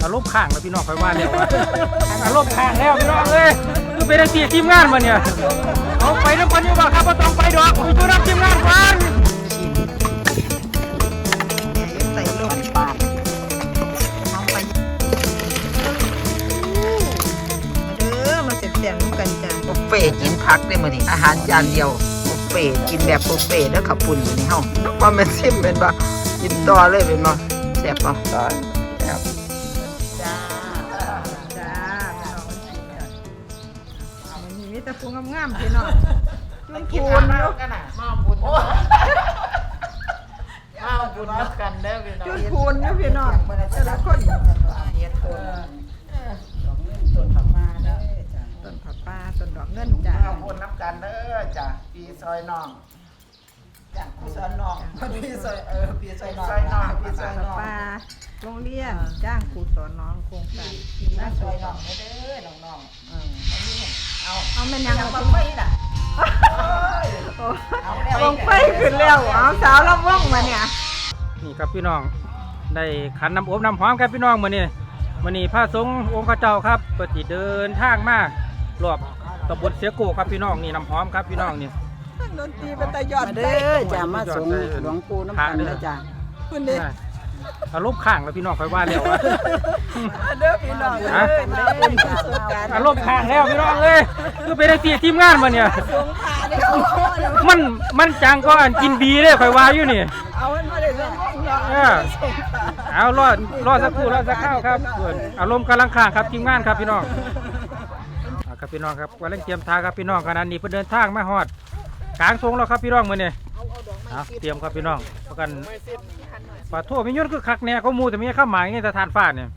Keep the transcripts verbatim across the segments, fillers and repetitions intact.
อารมณ์ข้างแล้วพี่น้องคอยว่าแล้วอารมณ์ข้างแล้วพี่น้องเลยคือเป็นทีทีมงานมาเนี่ยเอาไปน้ำกันอยู่บ่ครับว่าต้องไปดอกไปดูน้ำทีมงานก่อนใส่ลงปากน้องไปมาเด้อมาเสร็จเสียงกันจ้ะบุฟเฟ่กินพักได้มื้อนี้อาหารจานเดียวบุฟเฟ่กินแบบบุฟเฟ่แล้วขับปุ่นมื้อนี้เฮาว่ามันซิมเป็นบ่กินต่อเลยเป็นบ่แซ่บบ่ได้แซ่บจ้าจ้าพี่น้องเอามันมีแต่พุงงามๆพี่น้องจุนคูนอยู่กันน่ะมาบุญมาบุญนับกันเด้อพี่น้องจุนคูนอยู่พี่น้องแต่ละคนเฮ็ดโตต้นผักมาเด้อต้นผักปลาต้นดอกเงินจ้ามาบุญนับกันเด้อจ้าปีซอยน้องจ้าปีซอยน้องปีซอยเออปีซอยน้องปีซอยน้องปลาโรงเรียนจ้างครูสอนน้องโครงการน่าซอยน้องเด้อน้องๆอืมเอาเอาแม่นยังบ่ไปล่ะวงไฟขึ้นแล้วเอาสาวลำวงมาเนี่ยนี่ครับพี่น้องได้ขันน้ำอบน้ำหอมครับพี่น้องมื้อนี้มื้อนี้พระสงฆ์องค์ข้าเจ้าครับปฏิเดินทางมารอบตำบลเสียโกครับพี่น้องนี่น้ำหอมครับพี่น้องนี่ดนตรีเป็นตะยอดเด้อจ้ามาสงหลวงปู่น้ำกันเด้อจ้าคุณเด้อารมณ์ข้างแล้วพี่น้องคอยว่าแล้วเด้อพี่น้องเด้ออารมณ์ข้างแล้วพี่น้องเลยคือเป็นทีทีมงานมาเนี่ยมันมันจังก็อันกินดีเลยคอยว่าอยู่นี่เอามันมาเลยเออเอารอดรอดสักครู่รอดสักข้าวครับอารมณ์กำลังข้างครับทีมงานครับพี่น้องครับพี่น้องครับกำลังเตรียมทางครับพี่น้องขณะนี้เพื่อเดินทางมาฮอดกลางทงแล้วครับพี่น้องมือเนี่ยเตรียมครับพี่น้องประกันปลาทั่วมียุ่นคือคักแน่เขามูแต่มีข้าวหมายไงแต่ทานฟาดเนี่ย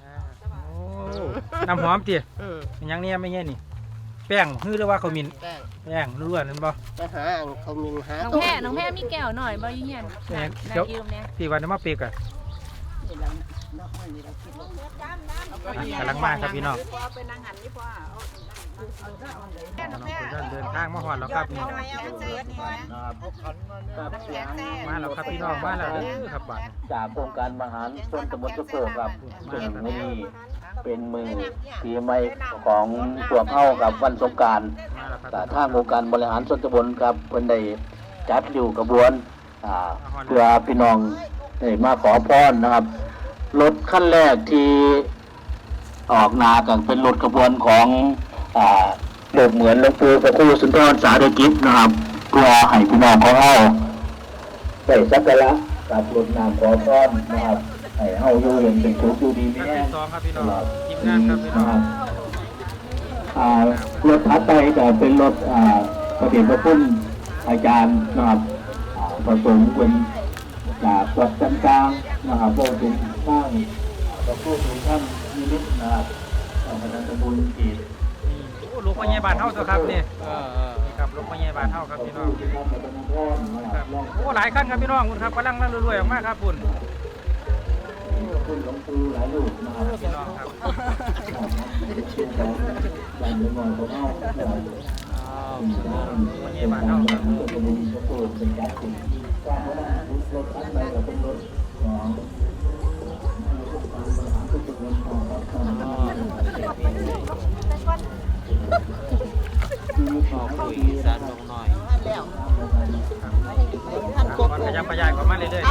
น้ำหอมเตี๋ยยังเนี่ยไม่เงี้ยนี่แป้งฮือหรือว่าเขามินแป้งล้วนนั่นบ่ไปหาเขามินหาน้องแพ้น้องแพ้มีแก้วหน่อยบ่ยุ่งยันเดี๋ยวสี่วันนี้มาเปกอะกำลังมาครับพี่น้องเดินทางมาหอดแล้วครับนี่มาแล้วครับพี่น้องมาแล้วครับบัดจากโครงการมหาชนตำบลสุโขครับซึ่งมื้อนี้เป็นมือปีใหม่ของตัวเข้ากับวันสงกรานต์ทางองค์การบริหารส่วนตำบลครับเพิ่นได้จัดอยู่กระบวนเพื่อพี่น้องได้มาขอพรนะครับรถขั้นแรกที่ออกนากันเป็นรถกระบวนของโดดเหมือนหลวงปู่พระครูสุนทรสาธกิจนะครับเพื่อให้พี่น้องของเราได้สักการะกับรถนำขอพรนะครับให้เฮาอยู่เย็นเป็นสุขอยู่ดีมีแรงตลอดทีนะครับรถถัดไปจะเป็นรถพระเดชพระคุณอาจารย์นะครับผสมเป็นจากวัดจันกลางนะครับพวกถึงข้างพระผู้ถึงท่านนิมิตนะครับพระนันทบุญกีดลูกพญาบาลเท่าตัวครับนี่นี่ครับลูกพญาบาลเท่าครับพี่น้องครับโอ้หลายขั้นครับพี่น้องคุณครับกำลังนั่งรวยๆออกมาครับคุณคุณหลวงปู่หลายลูกนะครับพี่น้องครับบ้านเมืองของเราพญาบาลเท่าครับเป็นการถึงการพัฒนารถขั้นใดก็เป็นรถของคุยสารลงหน่อยแล้วขยับขยายเข้ามาเรื่อยๆ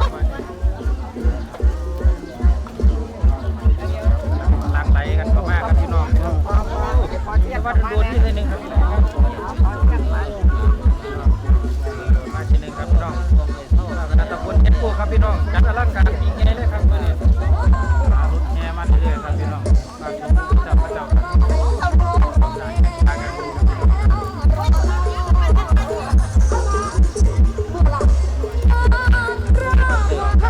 หลังไหลกันเข้ามาครับพี่น้องวัดโดนที่หนึ่งครับมาที่หนึ่งครับพี่น้องคณะตำบลเอ็ดโก้ครับพี่น้องจัดอลังการยิ่งใหญ่เลยครับวันนี้รถแห่มาเรื่อยๆครับพี่น้องจับพระเจ้าค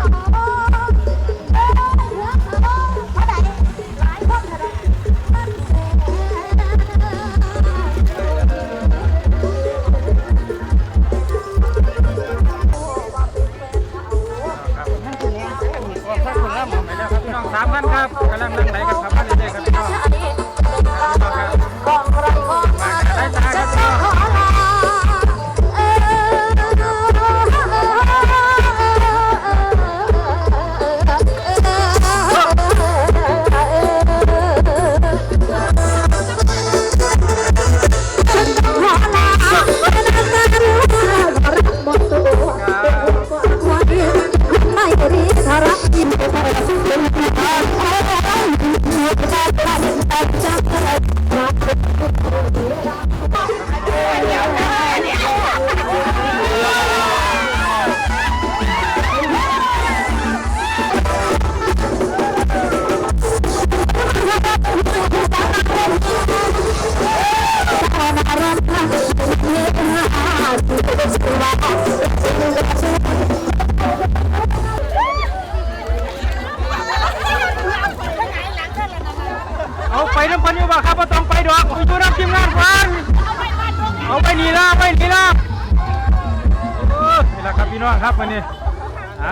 น้ำพันอยู่บ่ครับบ่ต้องไปดอกไปอยู่น้ำทีมงานก่อนเอาไปนี่ละไปนี่ละโอ้นี่ละครับพี่น้องครับวันนี้อ่า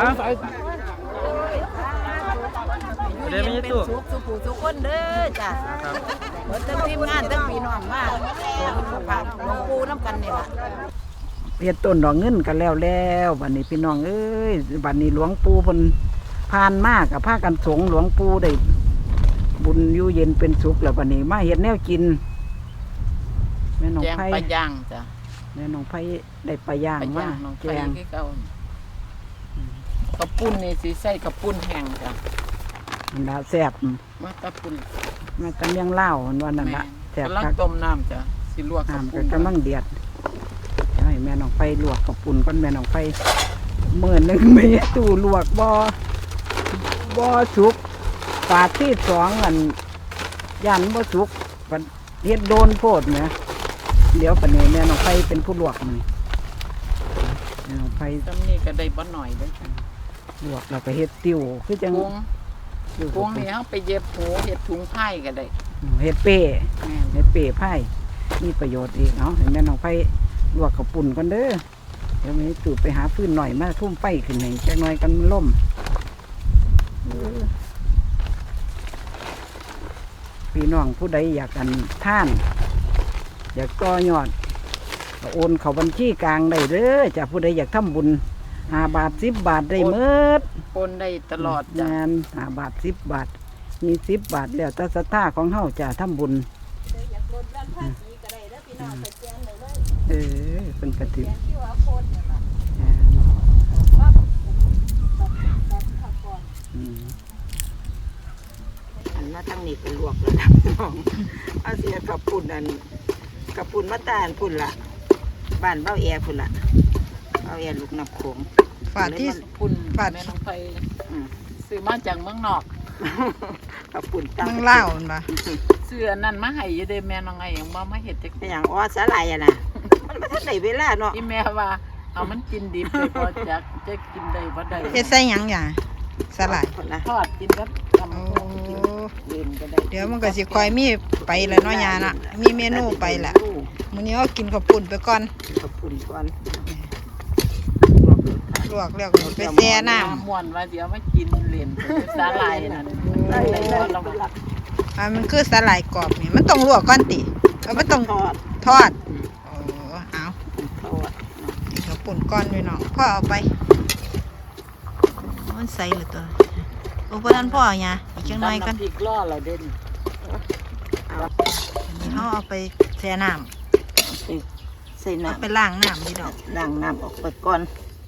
เดี๋ยวไม่ใช่ตู้สุขสุขสุขคนเด้อจ้ะครับเบิดทั้งทีมงานทั้งพี่น้องมาพระหลวงปู่น้ำกันนี่ล่ะเฮ็ดต้นดอกเงินกันแล้วแล้วบัดนี้พี่น้องเอ้ยบัดนี้หลวงปู่เพิ่นผ่านมากกับพากันสงฆ์หลวงปู่ได้บุญอยู่เย็นเป็นสุขแล้วบัดนี้มาเฮ็ดแนวกินแม่น้องแจงไผปลาย่างจ้ะแม่น้องไผได้ปลาย่างปลามาย่างน้องแกไผ่งคือเก่าข้าวปุ้นนี่สิใส่ข้าวปุ้นแห้งจ้ะอันดาแซ่บมาตะปุ้นมาตะเมียงเล่าววันนั้นแม่ละแซ่บกำลังคักต้มน้ำจ้ะสิลวกข้าวน้ำปุ้ก็นกำลังเดือดให้แม่น้องไฟลวกกับปุ่นก้อนแม่น้องไฟเมื่อหนึ่งไม่ตู้ลวกบ่บ่สุกฝาดที่สองอันยันบ่สุกปัดเฮ็ดโดนโพดเนี่ยเดี๋ยวปันนี้แม่น้องไฟเป็นผู้ลวกมันแม่น้องไฟตำนี้ก็ได้บ่หน่อยเด้อจ้ะลวกแล้วก็เฮ็ดติ้วคือจังกุ้งติ้วกุ้งนี่เฮาไปเย็บหูเฮ็ดถุงไผ่ก็ได้เฮ็ดเป้แม่นเฮ็ดเป้ไผ่มีประโยชน์อีกเนาะให้แม่น้องไฟลวกกับปุ่นกันเด้อเดี๋ยวแม่ตู่ไปหาฟืนหน่อยมาทุ่มไฟขึ้นให้จักหน่อยกันมันล่มเออพี่น้องผู้ใดอยากกันท่าน อยากต่อยอดก็โอนเข้าบัญชีกลางได้เด้อจ้ะผู้ใดอยากทำบุญห้าบาทสิบบาทได้เมิดปนได้ตลอดจ้ะงานห้าบาทสิบบาท มีสิบบาทแล้วแต่ศรัทธาของเฮาจะทำบุญเออเป็นกระถิ่นอันมาตั้งนี่เป็นลวกแล้วนะพี่น้องเอาเสียกับปุ่นอันกับปุ่นมาตาลปุ่นละบ้านเบ้าแอร์ปุ่นละเบ้าแอร์ลูกน้ำโขงฝาดที่ปุ้นฝาดแม่น้องไผ่ซื้อมาจากเมืองนอกกับปุ่นตั้งมึงเล่ามันปะเสื้อนั่นมาให้อยู่เด้แม่น้องไอ้ยังบ่มาเฮ็ดจักเป็นอย่างอ้อสาลายอะนะมันไม่ทันได้เวลาเนาะอีแม่ว่าเอามันกินดิบเลยบ่จักจะกินได้บ่ได้เฮ็ดใส่หยังอย่างสลายคนละทอดกินกับตำโอ้บักหุ่งกินเล่นก็ได้เดี๋ยวมันก็สิคอยมีไปแล้วเนาะยาน่ะมีเมนูไปละมื้อนี้เอากินข้าวปุ้นไปก่อนกับปุ่นก่อนลวกแล้วก็ไปแช่น้ำม่วนว่าสิเอามากินเล่นสาหร่ายนั่นได้ได้ได้เราก็รับอ่ามันคือสลายกรอบนี่มันต้องลวกก่อนติเอามันต้องทอดทอดโอ้เอาทอดกินข้าวปุ้นก่อนด้วยเนาะพ่อเอาไปมันใส่เลยตัวโอ้บ่ทันพ่อหยาอีกจังหน่อยกันตำำพริกล่อเราเด่นอันนี้เฮาเอาไปแช่น้ำใส่เอาน้ำไปล้างน้ำนี่ดอกล้างน้ำออกไปก่อน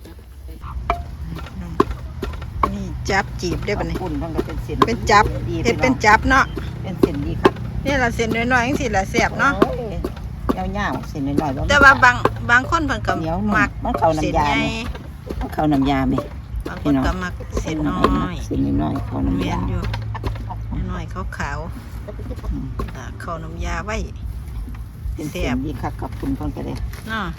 นี่จับจีบได้ปะนี่ปุ่นมันก็เป็นเส้นเป็นจับดีเฮ็ดเป็นจับเนาะเป็นเส้นดีครับนี่ละเส้นน้อยๆจังซี่ละแซ่บเนาะโอ้ยยาวๆเส้นน้อยๆแต่ว่าบางบางคนเพิ่นก็เหนียวนุ่มมักมันเข้าน้ำยาเส้นใหญ่ไหม เข้าน้ำยาไหมบางคนก็มักเส้นน้อยเส้นน้อยๆเข้าน้ำเวียยานอยู่น้อยๆขาวๆตากเข้าน้ำยาไว้เป็นเส้นดีครับกับปุ่นเพิ่นก็ได้เนาะ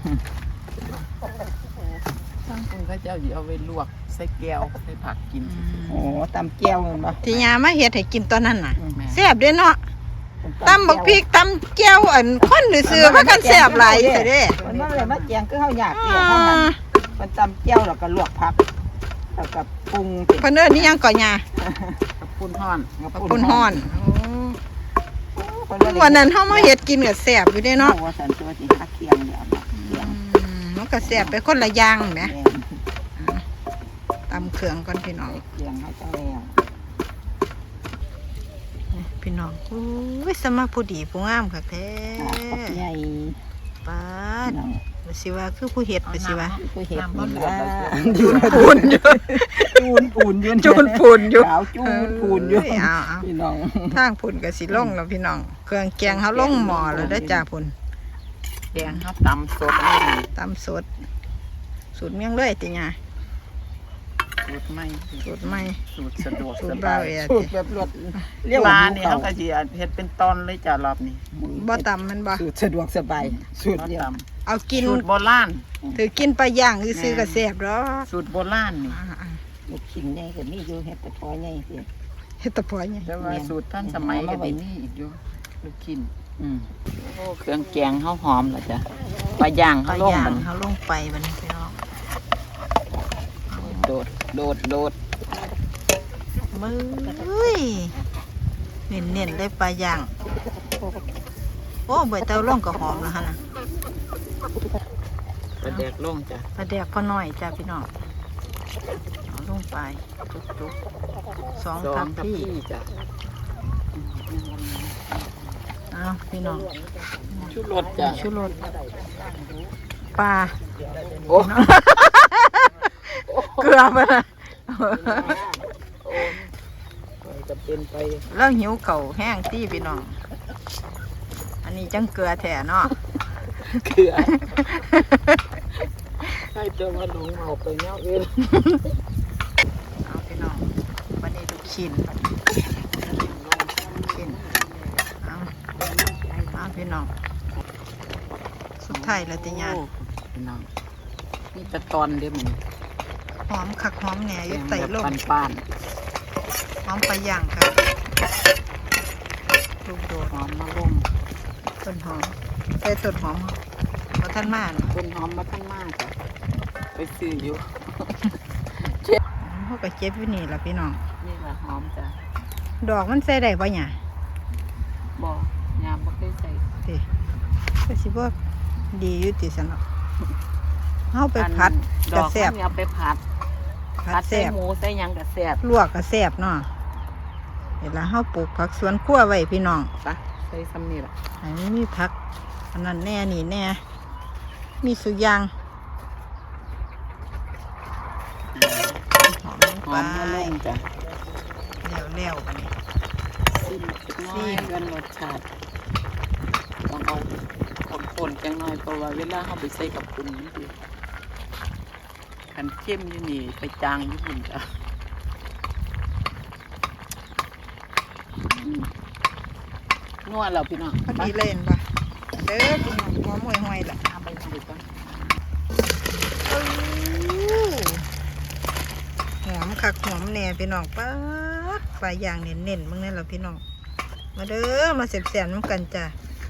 ช่างคุณเขาเจ้าสิเอาไปลวกใส่แก้วใส่ผักกินโอ้ตำแก้วมันบ่ที่ยามาเฮ็ดให้กินตอนนั้นน่ะแม่แซ่บเด้เนาะตำบักพริกตำแก้วอันคนซื่อๆว่ากันแซ่บหลายซะเด้มันบ่เลยมาแจงคือเฮาอยากเสียเท่านั้นมันตำแก้วแล้วก็ลวกผักแล้วก็ปรุงเป็นเพิ่นเอิ้นนี่ยังก่อยากับปุ้นฮ้อนปุ้นฮ้อนเพิ่โอ้วันนั้นเฮามาเฮ็ดกินก็แซ่บอยู่เด้เนาะเนาะว่าสันตัวสิหักเคียงเดี๋ยวเอาเคียงอืมมันก็แซ่บไปคนละอย่างแหมแม่นตำเครื่องก่อนพี่น้องเคียงให้จังแล้วพี่น้องโอ้ยสมาผู้ดีผู้งามคักแท้ผักใหญ่ป้าดน้องไปสิว่าคือผู้เฮ็ดไปสิว่าผู้เฮ็ดน้ำบ่นี่เดือดล่ะแล้วจูนปูนอยู่จูนปูนอยู่จูนปูนอยู่ขาวจูนปูนอยู่เอ้ยเอาเอาพี่น้องทางพุ่นก็สิลงแล้วพี่น้อง เครื่องแกงเฮาลงหม้อแล้วเด้อจ้าพุ่นแกงเฮาตำสดนี่ตำสด สูตรเมียงเลยติหยาสูตรใหม่สูตรใหม่สูตรสะดวกสูสตรบาบ่าวย แอสูติตรแบบรวดเรียกว่านี่เขาก็สิเฮ็ดเป็นตอนเลยจ้ะรอบนี้บ่ตำมันบ่สูตรสะดวกสบายสูตรบ่เดียวตเอากินำสูตรโบราณถือกินปลาย่างซื่อๆก็แซ่บดอกสูตรโบราณนี่อ่าลูกชิ้นใหญ่ก็มีอยู่เฮ็ดกระท้อใหญ่สิฮ็ดตะพอยไงแต่ว่าสูตรท่านสมัยก็ได้มีอีกอยู่ลูกชิ้นอืมโอ้เครื่องแกงเฮาหอมแล้วจ้ะปลาย่างปลาเฮาลงย่างมันเขาลงไปบัดนี้พี่น้องโดดโดดโดดมือเน้นเน้นๆเลยปลาย่างโอ้ใบเตาล่องก็หอมแล้วฮะนะปลาแดกลงจ้ะปลาแดกพอน้อยจ้าพี่น้องเอาลงไปจุกๆสองสอทังพทัพพี่พี่จ้ะเอาพี่น้องชูรสจ้ะชูรสปลาโอ้เกลือไปนะจะเป็นไปแล้วหิวเข่าวแห้งตี้พี่น้อง อันนี้จังเกลือแท้เนาะเกลือให้เจอมาหลงเอาไปเนาะเองเอาพี่น้องวันนี้ลูกชิ้นบัดนี้ลูกชิ้นเอาเอาพี่น้อง สุดท้ายแล้วติญาณพี่น้องมีแตะตอนเดียวมันหอมคักหอมแหน่อยู่ไต่ลมปันป้านหอมปลาย่างครับลูกโดดๆหอมมาลงต้นหอมใส่ต้นหอมเพราะท่านมาเนาะต้นหอมมาท่านมากจ้ะไปซื้ออยู่เขาก็เจ็บอยู่นี่ล่ะพี่น้องนี่แหละหอมจ้ะดอกมันใส่ได้ปะเนี่ยบ่ยามบ่เคยใส่สิก็สิบ่ดีอยู่ติสนอกเฮาไปผัดดกระอกแซ่บมันเอาไปผัดผัผัดดใส่แซ่บหมูใส่หยังกระแซ่บลวกกระแซ่บเนาะเวลาเฮาปลูกผักสวนครัวไว้พี่น้องปะใส่ซ้ำนี่ล่ะให้มันมีผักอันนั้นแน่นี่แน่มีสุกอยางหอมลงหไปอมมาลงจ้ะแล้วๆบัดนี้ซิมน้อยกันรสชาติต้องเอาคนๆจังหน่อยเพราะว่าเวลาเฮาไปใส่กับปุ่นนี่สิคันเข้มอยู่นี่ไปจางอยู่พุ่นจ้ะนัวแล้วพี่น้องพอดีเลยเห็นปะเด้อพี่น้องหอมห่วยๆล่ะเอาไปใส่ก่อนอู้หอมคักหอมแน่พี่น้องป๊าดปลาย่างเน้นๆมึงนี่แหละพี่น้องมาเด้อมาเสียบๆน้ำกันจ้ะ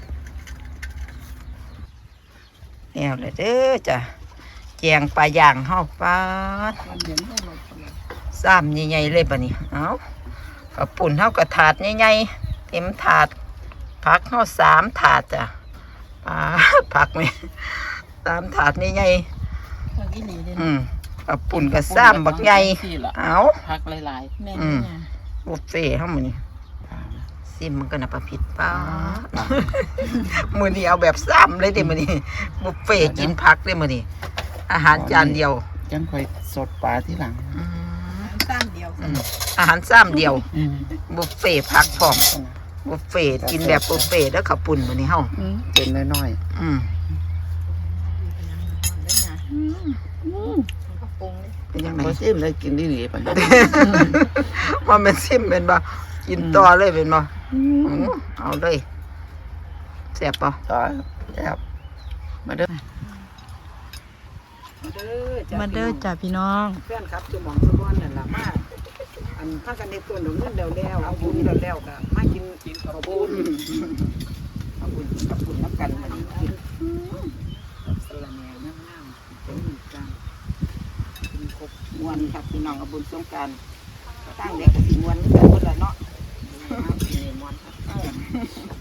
แนวเลยเด้อจ้ะแจงปลาย่างเฮาป๊าดมันเห็นให้หมดเลยซ้ำใหญ่ๆเลยปะนี่เอากับปุ่นเฮากระถาดใหญ่ๆเต็มถาดผักเฮาสามถาดจ้ะปลาผักไหมสามถาดใหญ่ผักอีหลีเด้ๆอืมกับปุ่นกับซ้ำบักใหญ่เอาผักหลายๆแม่อืมนี่บุฟเฟ่เฮามื้อนี้ซิมมันก็น่ะประพิดป้าดมื้อนี้เอาแบบซ้ำเลยเด้มื้อนี้บุฟเฟ่กินผักเด้มื้อนี้อาหารจานเดียวจังค่อยสดปลาที่หลังอืมอืมอาหารซ้ำเดียว บุฟเฟ่ผักพร้อมบุฟเฟ่กินแบบบุฟเฟ่แล้วขับปุ่นมื้อนี้เฮาเป็นน้อยอืมๆยังไงซิมเลยกินดีๆปะว่ามันซิมเป็นบ่กินต่อเลยเป็นบ่อืมเอาเลยแซ่บบ่ต่อครับมาเด้อมาเด้อจ้าพี่น้องเพื่อนครับจุหมองสะบอนนั่นล่ะมาอันพากันในต้นดอกเงินแล้วๆเอาบุญแล้วๆก็มากินกินข้าวบุญเอาบุญกับบุญนับกันมากินสละแหน่งามๆเป็นอีกการกินครบมวนครับพี่น้องเอาบุญสงกรานต์ตั้งเด็กกับสิมวนกันหมดละเนาะมวนครับ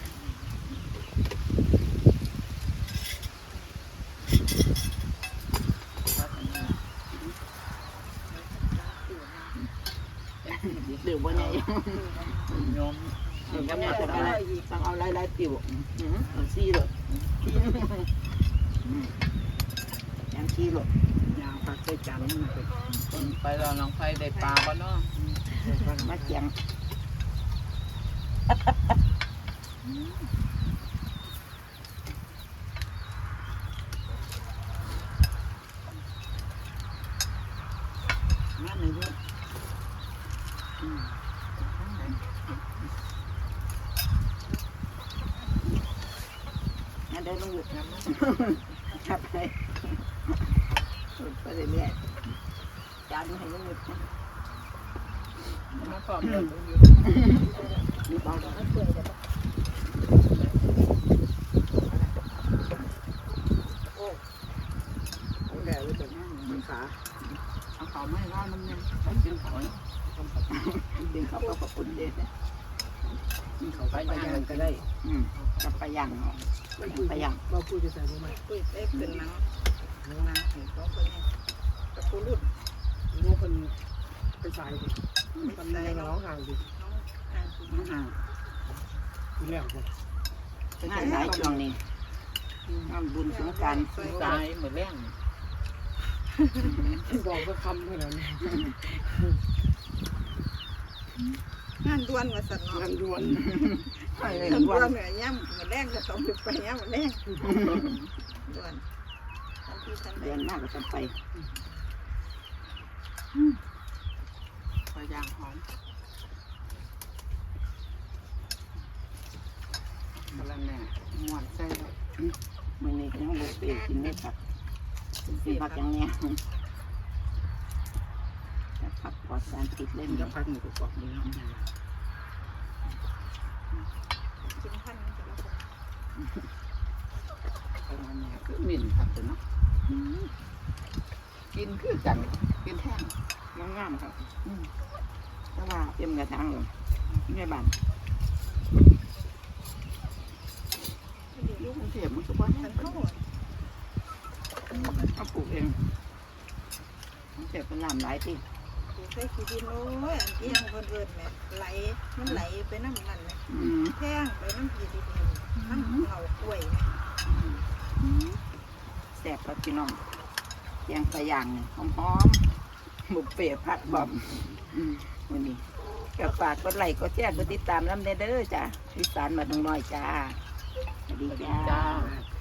เดี๋ยววันนี้ยอมเดี๋ยววันนี้จะเอาต้องเอาหลายๆติ๋วเอาซี่เลยยังซี่เลยยางผักใส่จานนี่มันเป็นไปแล้วน้องไฟได้ปลาบ้านเนาะมาเจียงงานไหนด้วยงั้นเดินลงหยุดนะครับไปไปเรื่อยๆจานให้ลงหยุดนะมาพร้อมกันนี่เบาแล้วเปื่อยแล้วโอ้โหแดดเลยแต่นั่งมันขาเอาเขาไม่ว่ามันยังต้องกินเขาดึงเขาก็ขอบคุณเด็ดเนี่ยเขาไปย่างก็ได้อืมกับไปย่างเนาะไปย่างเราพูดจะใส่บ่ไหมพูดเอ๊ะเป็นน้ำน้ำน้ำถึงเขาคนนี้กับผู้รุ่นน้องคนเป็นสายดิคนในน้องห่างดิน้องห่างคุณแล้วคนงานหลายช่วงนี้งานบุญสงกรานต์สายเหมือนแรงบอกว่าคำเท่านั้นงานด่วนมาสั่นงานด่วนงานด่วนเหนื่อยย่ำเหมือนแรงก็ต้องไปย่ำเหมือนแรงด่วนเดือนมากก็ต้องไปไปย่างหอมมาแล้วแม่หมวนใส่มันนี่ก็ยังบุกเปกินไม่ผักกินผักอย่างเนี้ยจะผักปลอดสารพิษเล่นจะผักหมูกรอบมือกินพันธุ์จะรับประมาณนี้คือหมิ่นผักเนาะกินคือกันกินแท่งงามๆครับแต่ว่าเต็มกระถางเลยไม่บานลูกมันเสียมันสุกว่าเขาเขาปลูกเองมันเสียเป็นลำหลายปีปลูกใส่ขี้ดินโอ้ยอันที่ยังคนเอิญแม่ไหลมันไหลไปน้ำมันเลยแท่งไปน้ำขี้ดินน้ำเหงากล้วยแสบกับพี่น้องยังใส่ยางหอมๆบุกเปียผัดบอมวันนี้กับฝากกดไลค์กดแชร์กดติดตามน้ำเด้อจ้ะอีสานมาตรงน้อยจ้าสวัสดีจ้า